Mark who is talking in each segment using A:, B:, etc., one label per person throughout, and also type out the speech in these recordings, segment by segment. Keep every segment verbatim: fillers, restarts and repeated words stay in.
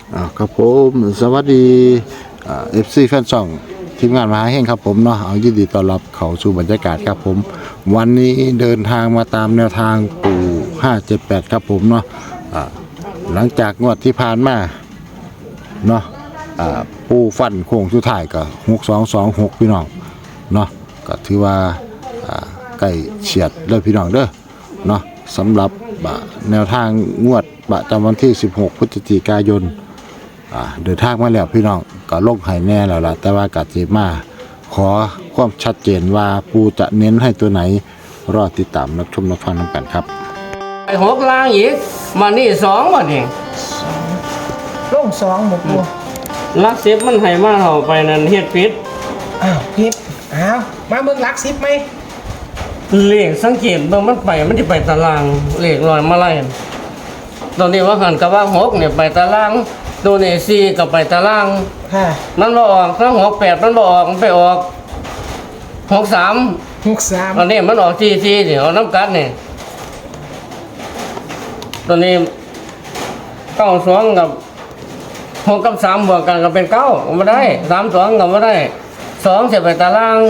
A: อ่าครับผมสวัสดีเอฟซีแฟนช่องทีมงานมหาเฮงครับผมเนาะเอายินดีต้อนรับเข้าสู่บรรยากาศครับผมวันนี้เดินทางมาตามแนวทางปู่ห้าเจ็ดแปดครับผมเนาะอ่าหลังจากงวดที่ผ่านมาเนาะอ่าปู่ฟันโค้งสุดท้ายก็หกสองสองหกพี่น้องเนาะก็ถือว่าอ่าใกล้เฉียดเด้อพี่น้องเด้อเนาะสำหรับแนวทางงวดประจำวันที่สิบหกพฤศจิกายนเดินทางมาแล้วพี่น้องก็ลงให้แน่แล้วล่ะแต่ว่ากัดเจมาขอความชัดเจนว่าปูจะเน้นให้ตัวไหนรอติดตามรับชมรับฟังนำกันครับ
B: ไอ้หกล่างอีกมานี่สองวันเอง
C: ลงสองหมดตัว
B: ลักสิบมันให้มาเท่าไปนั่นเฮ็ดผิด
C: อ้าวผิดอ้าวมาเบิ่งลักสิบไหม
B: เลขสังเกตเบิ่งมันไปมันจะไปตารางเลขลอยมาไล่ตอนนี้ว่าหันกับว่าหกเนี่ยไปตารางตัวนี้สี่ก็ไปตาราง
C: ค่ะ
B: มันบ่ออกถ้าหกแปดมันบ่ออกมันไปออกหกสาม
C: หกสาม
B: ตอนนี้มันออกสี่สี่เดี๋ยวน้ำกัดเนี่ยตอนนี้เก้าสองกับหกกับสามบวกกันก็เป็นเก้าไม่ได้สามสองก็ไม่ได้สองเสียไปตาราง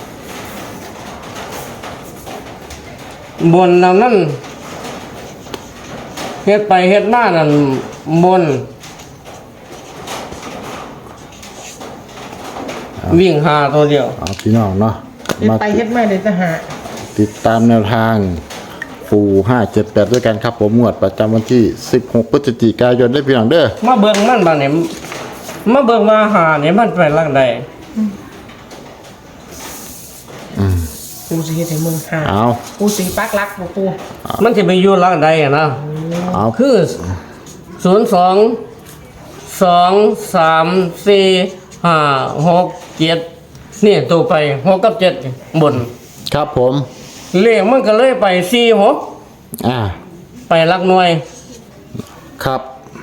B: บนนั่นเฮ็ดไปเฮ็ดมานั่นบนวิ่งหาตัวเดียว
A: เอาพี่น้องเนาะ
C: เฮ็ดไปเฮ็ดมาเลยจะหา
A: ติดตามแนวทางปูห้าเจ็ดแปดด้วยกันครับผมงวดประจำวันที่สิบหกพฤศจิกายนได้พี่น้องเด้อ
B: มาเบิ่งมันบ้างเนี่ยมาเบิ่งว่าหาเนี่ยมันไปลักใด
C: ปูสีให้มึงหา
A: เอา
C: ปูสีปักลักปูปู
B: มันจะไปอยู่ลักใดอะนะ
A: เอา
B: คือศูนย์สองสองสามสี่ห้าหกเจ็ดนี่ตัวไปหกกับเจ็ดบน
A: ครับผม
B: เลขมันก็เลยไปสี่หก
A: อ่า
B: ไปลักหน่วย
A: ครับ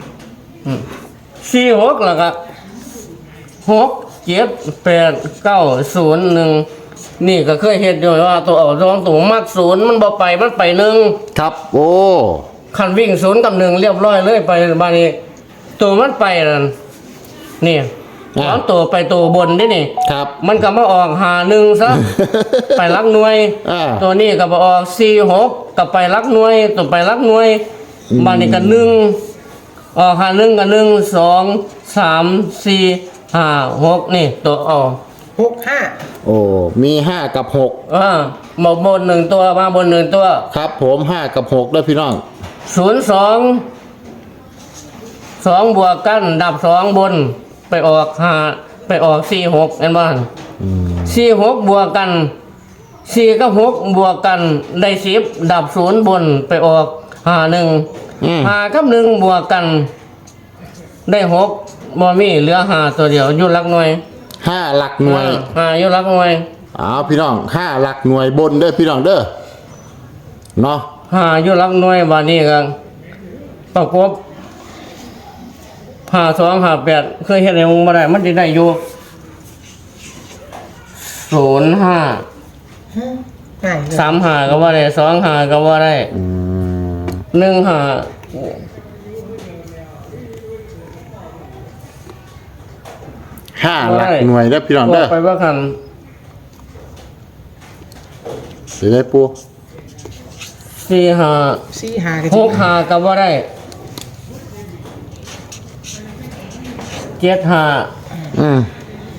B: สี่หกแล้วก็หกเจ็ดแปดเก้าศูนย์หนึ่งนี่ก็เคยเห็นอยู่ว่าตัวออกสองตัวมักศูนย์มันบ่ไปมันไปหนึ่ง
A: ครับโอ้
B: คันวิ่งศูนย์กับหนึ่งเรียบร้อยเลยไปบานี้ตัวมันไปนั่นนี่สองตัวไปตัวบนนี่นี่
A: ครับ
B: มันก็มาออกหาหนึ่งซะ ไปลักหน่วยตัวนี้ก็มาออกสี่หกกับไปลักหน่วยตัวไปลักหน่วยบานี้ก็หนึ่งออกหาหนึ่งกับหนึ่งสองสามสี่ห้าหกนี่ตัวออก
C: หกห้า
A: โอ้มีห้ากับหก
B: อ่ามาบนหนึ่งตัวมาบนหนึ่งตัว
A: ครับผมห้ากับหกด้วยพี่น้อง
B: ศูนย์สองสองบวกกันดับสองบนไปออกห้าไปออกสี่หกเห็นบ้านสี่หกบวกกันสี่กับหกบวกกันได้สิบดับศูนย์บนไปออกห้าหนึ่งห้ากับหนึ่งบวกกันได้หกบ่มีเหลือห้าตัวเดียวอยู่หลักหน่วย
A: ห้าหลักหน่วย
B: ห้าอยู่หลักหน่วย
A: อ้าวพี่น้องห้าหลักหน่วยบนเด้อพี่น้องเด้อเนาะ
B: ห้าอยู่หลักหน่วยบานี้กันประกบห้าสองห้าแปดเคยเห็นในวงมาได้มันจะได้อยู่ศูนย์ห้าสามห้าก็ว่าได้สองห้าก็ว่าได้หนึ่งห้า
A: ห้าหลักหน่วยได้พี่น้องเด้อ
B: ไปว่าคัน
A: สิได้ปู
B: สี่ห้า
C: สี่ห้า
B: หกห้าก็ว่าได้เจ็ดห้า
A: อืม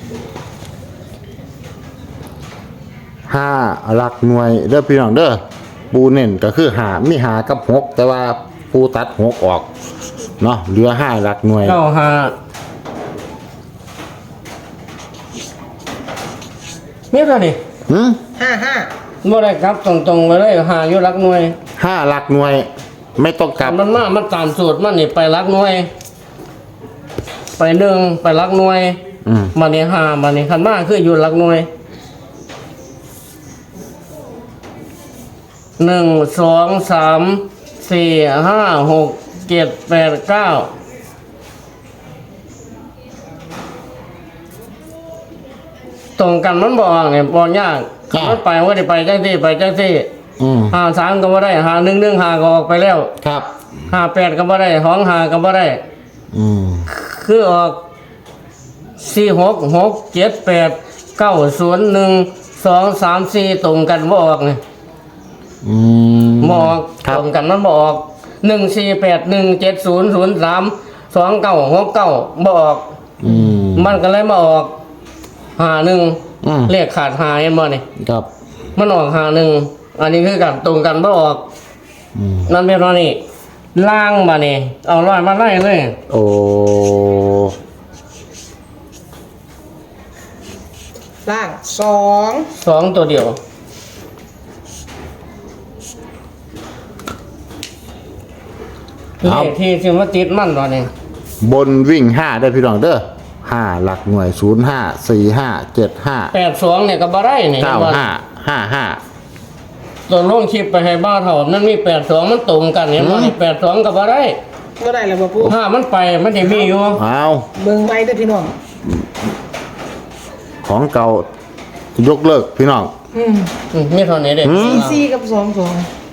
A: ห้าหลักหน่วยเด้อพี่น้องเด้อปูเน้นก็คือหามีหากับหกแต่ว่าปูตัดหกออกเนาะเหลือห้าหลักหน่วย
B: เก้าห้าเนี่ยเท่านี้
A: หืม
C: ห้าห้า
B: บ่ได้ครับตรงๆไปเลยหาอยู่หลักหน่วย
A: ห้าหลักหน่วยไม่ต้องกลับ
B: มันมามันตามสูตรมันนี่ไปหลักหน่วยไปหนึ่งไปหลักหน่วยมาเนี่ยหามาเนี่ยขันมาคืออยู่หลักหน่วยหนึ่งสองสามสี่ห้าหกเจ็ดแปดเก้าตรงกันมันบอกเนี่ยบอกยากมันไปว่าได้ไปจังที่ไปจังที่หาสามก็บ่ได้หาหนึ่งหนึ่งหาก็ออกไปแล้ว
A: ครับ
B: หาแปดก็บ่ได้ห้องหาก็บ่ได้
A: อืม
B: คือออกสี่หกหกเจ็ดแปดเก้าศูนย์หนึ่งสองสามสี่ตรงกันบ่ออกนี่
A: อืม
B: บ่ออก
A: ครั
B: ต
A: บ
B: รงกันมันบ่ออกหนึ่งสี่แปดหนึ่งเจ็ดศูนย์ศูนย์สามสองเก้าหกเก้าบ่ออก
A: อืม
B: มันก็เลยมาออกหาหนึ่ง
A: อืม
B: เลขขาดหาเห็นบ่นี่
A: ครับ
B: มันออกหาหนึ่งอันนี้คือกันตรงกันบ่ออก
A: อืม
B: นั่นเป็นว่านี่ล่างมานี่เอาร้อยมาไล่เลย
A: โอ้
C: ล่างสอง
B: สองตัวเดียว เลขที่สิมาติดมันตอนนี้
A: บนวิ่งห้าได้พี่น้องเด้อห้าหลักหน่วยศูนย์ห้าสี่ห้าเจ็ดห้า
B: แปดสองเนี่ยก็บ่ได้นี่
A: เก้าห้าห้าห้า
B: ตัวลงคลิปไปให้บ้าเถ่ามันมีแปดสองมันตรงกันเห็นบ่นี่แปดสองก็บ่ได้
C: ก็ได้แล้วบ่ปู
B: ถ้ามันไปมันจะมีอยู่
A: เอา
C: เบิ่งไว้เด้อพี่น้อง
A: ของเก่ายกเลิกพี่น้อง
C: อืม
B: อืมมีเท่านี้เด็ก
C: สี่สี่กับสองสอง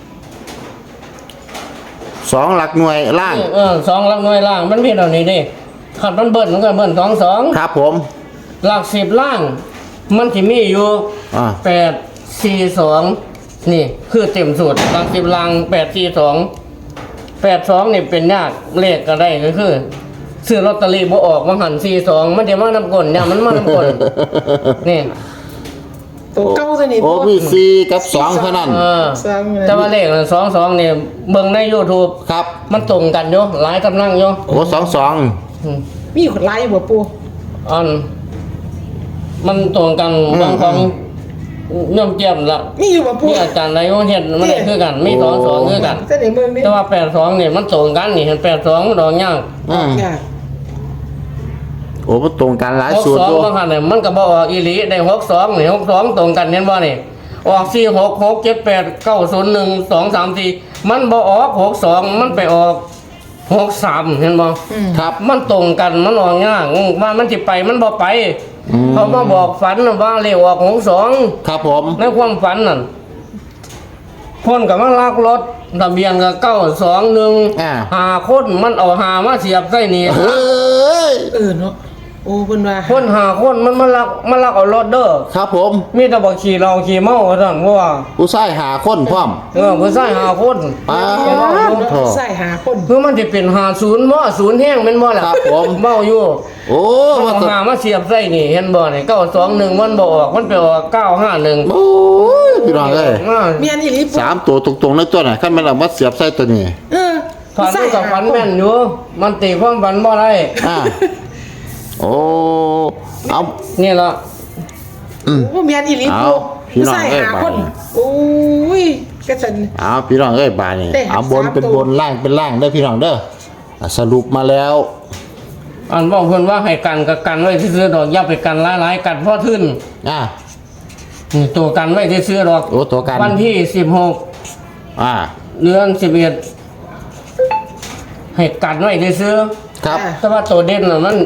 A: สองหลักหน่วยล่าง
B: เออสองหลักหน่วยล่างมันมีเท่านี้เด้ขัดมันเบิ้ลมันก็เบิ้ลสองสอง
A: ครับผม
B: หลักสิบล่าง มันที่มีอยู่
A: อ่า
B: แปดสี่สองนี่คือเต็มสูตรหลักสิบล่างแปดสี่สองแปดสองนี่เป็นยากเลขก็ได้ก็คือซื้อลอตเตอรี่บ่ออกมาหันสี่สองมันจะมานำกลเนี่ยมันมานำกลนี่
C: ตัวเก้าตัวนี้
A: โอ้มีสี่กับสองเท่านั้น
B: เออ
C: สอง
B: แต่ว่าเลขสองสองเนี่ยเบิ่งใน YouTube
A: ครับ
B: มันตรงกันอยู่หลายกำลังอยู่
A: โอ้สองสอง
B: อืม
C: มีคนไล่บ่ปู
B: อันมันตรงกันบางของย่อมเจียมละ
C: มีอยู่บ่ปู
B: มีอาจารย์อะไรก็เห็นมันได้คือกันมีสองสองคือกัน
C: เส้นไหนเมืองนี่
B: แต่ว่าแปดสองเนี่ยมันตรงกันนี่เห็นแปดสองมันดอกยาก
A: อืม
C: ยาก
A: โอ้มันตรงกันหลาย
B: หก
A: สูตร
B: สอง
A: ตัว
B: บางครั้งเนี่ยมันก็บออกอีหลีได้หกสองนี่หกสองตรงกันเห็นบ่นี่ออกสี่หกหกเจ็ดแปดเก้าศูนย์หนึ่งสองสามสี่มันบอออกหกสองมันไปออกหกสามเห็นบ่
A: ครับ
B: มันตรงกันมันออกยากอืมว่ามันจะไปมันบ่ไป
A: อืม
B: เขามาบอกฝันว่าเลขออกหกสอง
A: ครับผม
B: ในความฝันนั่นคนกับมันลักรถทะเบียนกับเก้าสองหนึ่ง
A: อ่า
B: หาคนมันเอาหามาเสียบใส่นี่
A: เฮ้ย
C: เออเนาะโอ้เพิ่นว่า
B: คนหาคนมันมาลักมันลักเอารถเด้อ
A: ครับผม
B: มีแต่บอกขี่เราขี่เมาสั่นเพราะว่า
A: ผู้ชายหาคนพร้อม
B: เออผู้ชายหาคน
A: ป้า
C: เนาะใส่หาคน
B: เพื่อมันจะเป็นหาศูนย์บ่ศูนย์แห้งแม่นบ่ล่ะ
A: ครับผม
B: เมาอยู่
A: โอ้
B: มัน
A: มา
B: เอา
A: ต
B: หามาเสียบใส่นี่เห็นบ่นี่เก้าสองหนึ่งมันบ่ออกมันไปออกเก้าห้าหนึ่ง
A: โอ้ยพี่น้องเอ้ย
C: เมียนอีหลีปู
A: สามตัวตรงๆในตัวไหนขั้นมันเอามาเสียบใส่ตัวนี้
C: เออ
B: ฝัน
C: ใส่
B: กับ
C: หา
B: ฝัน
C: คน
B: แม่นอยู่มันตีความฝันบ่ได้
A: อ่าโอ้เอา
B: นี่ล่ะ
A: อืม
C: โอ้เมียนอีหลี
A: เอา
C: ปู
A: พี่น้อง
C: ใส่
A: เอ้ย
C: หาคน
A: ไป
C: โอ้ยกระสัน
A: เอาพี่น้องเอ้ยบาดนี่
C: ได้หา
A: เอาบน
C: สาม
A: เป็น
C: ตัว
A: บนล่างเป็นล่างได้อพี่น้องเด้ออ่ะสรุปมาแล้ว
B: อันบอกเพิ่นว่าให้กันกับกันไว้ซื่อๆดอกอย่าไปกันหลายๆกันเพราะทึ้น
A: อ่า
B: นี่ตัวกันไว้ซื่อๆดอก
A: โอ้ตัวกัน
B: วันที่สิบหก
A: อ่า
B: เดือนสิบเอ็ดให้กันไว้ซื่อ
A: ครับ
B: ๆแต่ว่าตัวเด่นน่ะมัน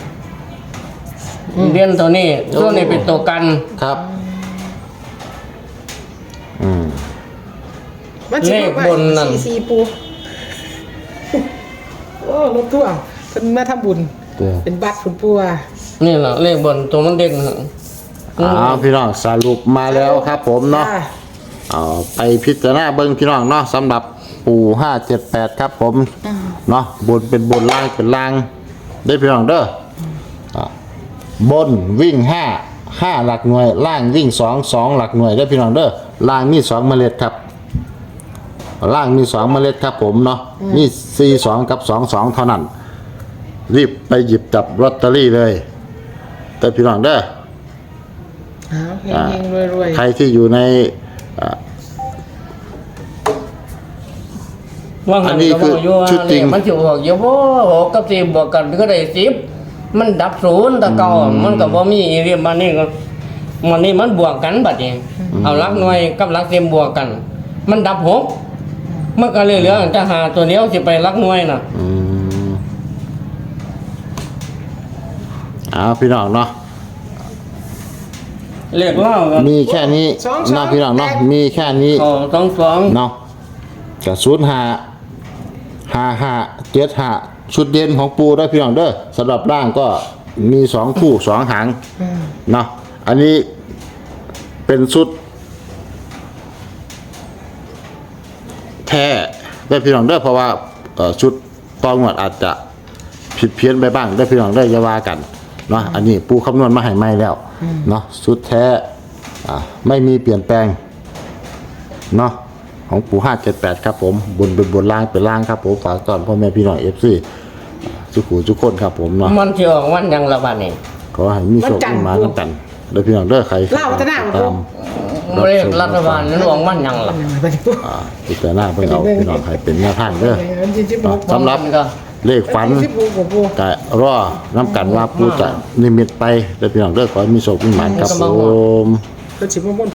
B: เด่นตัวนี้
A: โอ้
B: ตัวนี้เป็นตัวกัน
A: ครับ อืม
C: มันสิบอกว่า
B: เลขบนนั่น
C: ซีซีปูโอ้รถทั่วร์เพิ่นมาทำบุญ
A: เด้อ
C: เป็นบัตรคุณปูว่า
B: นี่แหละเลขบนตัวมันเด่นน่ะ
A: เอาพี่น้องสรุปมาแล้วครับผมเนาะ
C: จ้
A: เอาไปพิจารณาเบิ้งพี่น้องเนาะสำหรับปู่ห้าเจ็ดแปดครับผมเนาะบนเป็นบนล่างเป็นล่างได้พี่น้องเด้ออ่ะบนวิ่งห้าห้าหลักหน่วย ล่างวิ่งสองสองหลักหน่วยได้พี่น้องเด้อล่างมีสองเมล็ดครับ ล่างมีสองเมล็ดครับผมเนาะมีสี่สองกับสองสองเท่านั้น รีบไปหยิบจับลอตเตอรี่เลยแต่พี่น้องเด้อ
C: เอาเฮ
A: อ่า
C: งๆรวย
A: ใครที่อยู่ในอ่า
B: ว่า
A: อั
B: งั
A: น
B: น
A: นี้
B: ก็
A: คื
B: บ
A: อ
B: อกอยู่ว่า
A: ชุดจริง
B: เลขมันสิออกอยู่บ่หกกับสี่บวกกันก็ได้สิบมันดับศูนย์แตะเก่ามันก็บ่มีอีเรียมบัดนี้ก็มันนี่มันบวกกันบัดนี้เอาหลักหน่วยกับหลักเต็มบวกกัน มันดับหกมันก็เลยเหลือจะหาตัวเดียวสิไปหลักหน่วยน่ะ
A: อืมเอาพี่น้องเนาะ
B: เลขเล่ากัน
A: มีแค่นี้เนาะพี่น้องเนาะมีแค่นี้
B: สองสอง
A: เนาะกับศูนย์ห้าห้าห้าเจ็ดห้าชุดเด่นของปูได้พี่น้องเด้อสำหรับร่างก็มีสองคู่สองหางเนาะอันนี้เป็นชุดแท้ได้พี่น้องเด้อเพราะว่าเอ่อชุดตองวดอาจจะผิดเพี้ยนไปบ้างได้พี่น้องได้อยาว่ากันเนาะอันนี้ปูคำนวณมาให้ใหม่แล้วเนาะชุดแท้อ่าไม่มีเปลี่ยนแปลงเนาะของปูห้าเจ็ดแปดครับผมบนเป็นบนล่างเป็นล่างครับผมฝากตอนพ่อแม่พี่น้องเอฟซีทุกผู้ทุกคนครับผมเนาะ
B: มันสิออกวันหยังละบัดนี้
A: ขอให้มีโชคมีหมาน้ำกันเด้อพี่น้องเด้อใคร
C: เล่าวัฒนาของ
A: ตา
C: ปู
A: ม
B: เลขรัฐบาลนั้นออกวันหยังล่ะ
C: ไปดิปู
A: อ่าพิจารณาเพิ่งเอาพี่น้องใครเป็นแนวทางเด้อ
C: จิจิบหก
A: สำหรับ
B: มันก็
A: เลขฝัน
C: จิบหกกับปู
A: ก็รอน้ำกันว่าปูจะนิมิตไปเด้อพี่น้องเด้อขอให้มีโชคมีหมาครับผม
C: ก็จิบมน